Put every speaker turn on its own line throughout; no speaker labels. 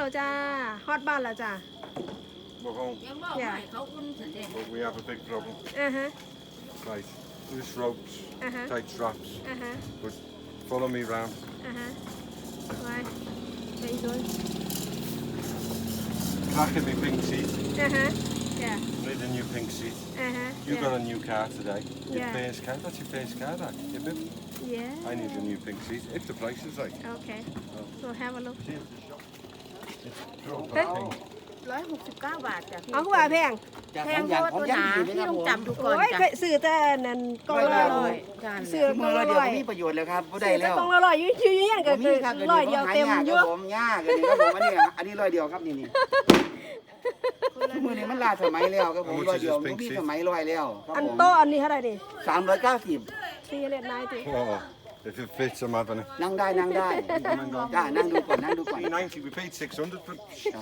แล้วจ้าฮอตบ้านแล้วจ้า
We're home.
Yeah.
But we have a big problem.
Uh-huh.
Right. Loose ropes, tight straps.
Uh-huh.
But follow me round.
Uh-huh. Why? Where you going?
Cracking me pink seat.
Uh-huh. Yeah.
Need a new pink seat.
Uh-huh.
You
yeah.
got a new car today. Your
Yeah.
first car. That's your first car, that. Your bib.
Yeah.
I need a new pink seat. If the price is right.
Okay. So have a look.
See at the shop. It's proper
Hey.
pink.
169 บาทจ้ะพี่
เอาคือว่าแพง
แพงเพราะว่าตัวหนาพี่ต้องจับดูก่อน
โอ้ย
จ้ะ
เคยซื้อแต่นั่นกล่องละร้อย
จ้ะ
ซื้อกล่
มื
อง
อ
ละ
เดียว
ร้อย
มีประโยชน์แล้วครับบ่ได้
ซื้อแต่
แล้ว
กล่องละร้อยอยู่ยันก็คือ
ครับ
ร้อยเดียวเต็มเยอะ
ผมยากเลยครับผมอันนี้ร้อยเดียวครับนี่มือนี้มันล้าสมัยแล้วครับผมร้อยเดียวมันมีสมัยร้อยแล้วครับ
อัน
ผม
โต๊ะอันนี้เท่าไหร่ดิ
390
390
Oh, if it fits, I'm having it.
นั่งได้จ้านั่งดูก่อน
390, we paid 600 for it.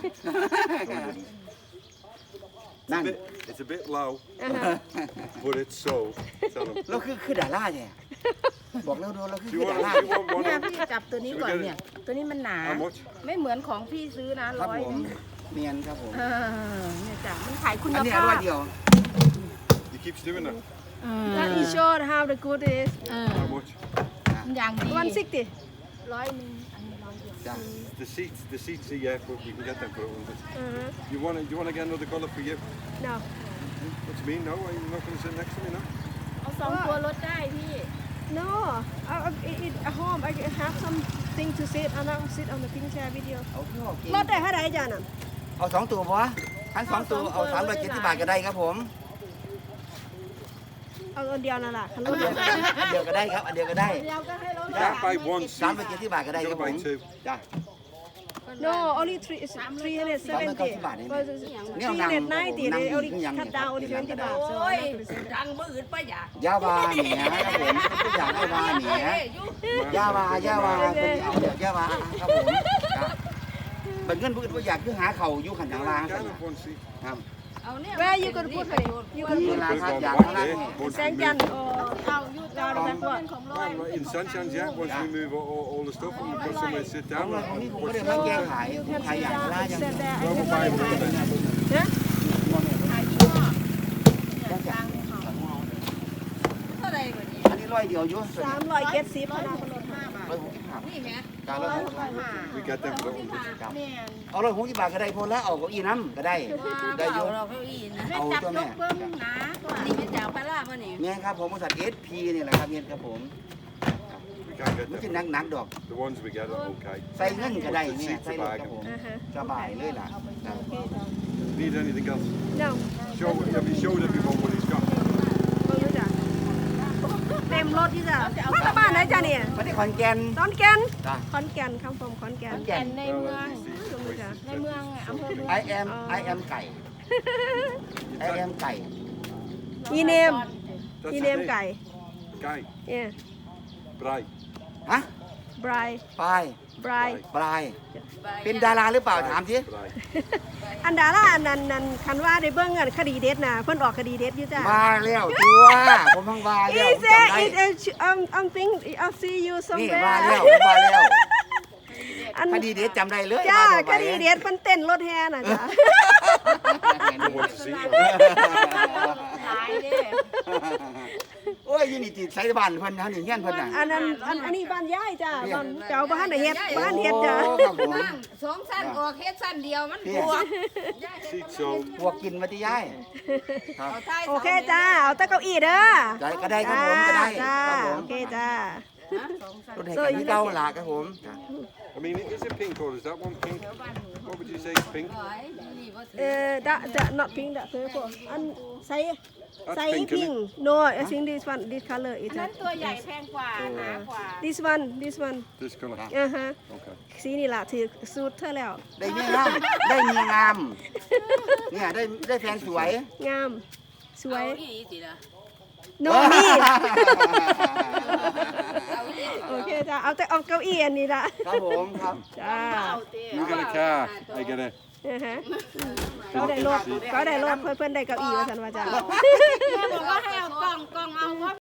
นั่น
It's a bit low, but it's sold. Tell them.
เราคือดาราเนี่ยบอกแล้วดูเราคือ
Do you
ดา
want,
รา
do you want one?
เนี่ยพี่จับตัวนี้ก่อนเนี่ย ตัวนี้มันหนา
How much?
ไม่เหมือนของพี่ซื้อนะครับ
ผม
100
เมียนครับผม
เนี่ยจ้ะมันขายคุณ
อันนี้
ภา
ร้อ
พ
ยเดียว
He keeps doing that.
That is showed how the good is
How much?
มันอย่างดี
160
100 นึงอันนี้100เดียว
จ้า
The seats are yeah, but we can get them for 100.
Uh-huh.
You want to get another colour for you?
No
What do you mean? No, you're not going to sit next to me, no?
เอา2 ตัวลดได้พี่
No at home I have something to sit and I'll sit on the pink chair with you
เอาพี่โอเค
รถได้เท่าไหร่จ้าน่ะ
เอา2ตัวพอทั้ง2ตัวเอา370 บาทก็ได้ครับผม
เอาอันเดียวนั่นแหละคัน
อั
ร
น
ถ
เดียวก็ได้ครับอันเดียวก็ได้
เดียวก็ให้รถ
You can't buy one seat.
370 บาทก็ได้ครับผม
You'll buy two.
จ้า
No only 370
บาทนี่
because
เนี่ยนั่ง
390 they only
นั่ง
cut down only 20 baht so
โอ้ย
I'm not gonna say
ดังมืออื่นปะอย่าย
าวาเหนียครับผมทุกอย่างยาวาเหนียยาวาเป็นเอาเดี๋ยวยาวาครับผมเป็นเงินพูดว่าอยากคือหาเข่าอยู่ขันทางล่าง
You can have one seat.
ครับ
เอาเนี่ย
Where you gonna put her you gonna
เว
put
ลาครับ
There's
อยาก
one
ข้างล่าง
there,
นี่
once
แส
we
งจันท
move.
ร์
เอาอยู่ตามเป็นของร้อย
In Sunshine, yeah, once we move all the stuff and we've got somewhere to sit
เอา
down.
เลยตรงนี้ผมก็เลยมาแก้ขายผมขายอย่างละอย่าง
Sit there
Well, we'll buy one of them.
ฮะ
ขายยี่ห้อเนี่ยกลางเนี่ยค่ะเท่าไหร่กว่านี้
อันนี้ร้อยเดียวอยู่
370พนักงาน
165
นี่แม่
การ165
We get them for 100.
แม่
เอา160 บาทก็ได้พอแล้วเอาเก้าอี้น้ำก็ได้ได้อยู่
เราเก้าอี้นะแม่จับยกเพิ่มหนาตัวนี้เป็นจากปลาล่าป่ะนี่
แม่ครับผมบริษัท SP นี่แหละครับเฮ็ดครับผม
We can't get
มัน
them.
สิหนักดอก
The ones we get are okay.
ใส่เงินก็ได้เนี่ยใส่รถครับผม
อ่าฮะ
สบายเลยล่ะครับ
Need anything else?
No
Have you showed everyone what he's got?
ไม่รู้จักเต็มรถที่จะมาจากบ้านไหนจ้ะเนี่ย
มาที่ขอนแก่น
ขอนแก่น
จ้ะ
ขอนแก่นคำฟอมขอนแก่น
แก่น
ในเมือง
ไม่รู้จัก
ในเมืองอำเภอเมือง
I am ไก่ I am ไก่
อีเนม
That's
อี
his
เนม
name.
ไก่
Guy.
เนี่ย
Bry.
ฮะ
บราย
ปลาย
บราย
ปลายเป็นดาราหรือเปล่าถามสิ
Bry.
อันดาราอันนั้นคันว่าได้เบิ่งอันคดีเด็ดน่ะเพิ่นออกคดีเด็ดอยู่จ้ะ
มาแล้วตัวผมพังมาแล้ว
He
ผม
said
จำได้
I'm think I'll see you
นี่
somewhere
มาแล้วผมมาแล้ว
อัน
คดีเด็ดจำได้เลย
จ้า
มา
คดีเด็ดเพิ่นเต้นรถแห่น่ะจ้ะ
I want to see him.
หลายเด้
โอ้ยยูนิติใช้บ้านเพิ่นเฮานี่เฮียนเพิ่นน่ะ
อันนั้นอันนี้บ้านยายจ้ะบ้านเจ้าบ้านน่ะเฮ็ดบ้านเฮ็ดจ้ะ
โอ้ครับผม
นั่ง2 สั้นออกเฮ็ดสั้นเดียวมันบวก
Seat sold.
พวกกินมาที่ย้ายครับ
เอาท้าย
โอเคจ้าเอาแต่เก้าอี้เด้อ
ได้ก็ได้ครับผมก็ได้
จ้า
ครับผม
โอเคจ้า
รถแห่กันที่เก่าหลาครับผม
I mean, is it pink or is that one pink? What would you say is pink?
that not pink that purple อันใส่ใส่
pink,
pink no I think this one this color is
นั้นตัวใหญ่แพงกว่าหนากว่า
this one
This colour.
ฮะ
Okay.
สีนี่ล่ะถือสูตรเธอแล้ว
ได้เมียงามได้เมียงามเนี่ยได้แฟนสวย
งามสวย
เอาอีสิล่ะ
no มี โอเคจ้าเอาแต่เอาเก้าอี้อันนี้ละ
ครับผมครับ
จ้า
You get a car, I get a
ก็ได้รถเพื่อนได้เก้าอี้ว่าสันว่าจ้า
แม่บอกว่าให้เอากล่องเอาว่า